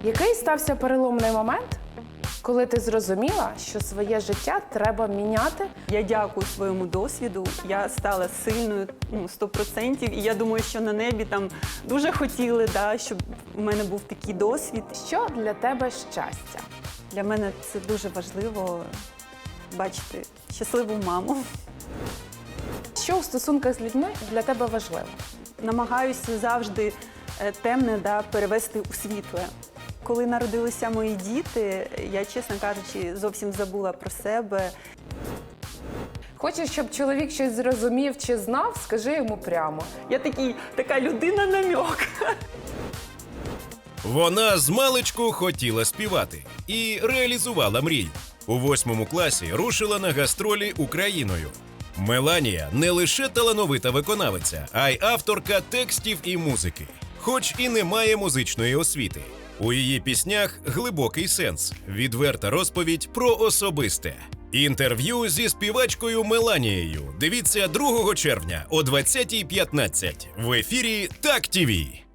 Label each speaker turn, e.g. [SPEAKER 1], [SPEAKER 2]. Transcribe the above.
[SPEAKER 1] Який стався переломний момент, коли ти зрозуміла, що своє життя треба міняти?
[SPEAKER 2] Я дякую своєму досвіду. Я стала сильною 100%. І я думаю, що на небі там дуже хотіли, щоб у мене був такий досвід.
[SPEAKER 1] Що для тебе щастя?
[SPEAKER 2] Для мене це дуже важливо бачити щасливу маму.
[SPEAKER 1] Що у стосунках з людьми для тебе важливо?
[SPEAKER 2] Намагаюся завжди темне перевести у світле. Коли народилися мої діти, я, чесно кажучи, зовсім забула про себе.
[SPEAKER 1] Хочеш, щоб чоловік щось зрозумів чи знав, скажи йому прямо.
[SPEAKER 2] Я така людина-намьок.
[SPEAKER 3] Вона змалечку хотіла співати і реалізувала мрію. У 8 класі рушила на гастролі Україною. Меланія не лише талановита виконавиця, а й авторка текстів і музики. Хоч і не має музичної освіти. У її піснях глибокий сенс, відверта розповідь про особисте. Інтерв'ю зі співачкою Меланією дивіться 2 червня о 20:15 в ефірі Так ТІВІ.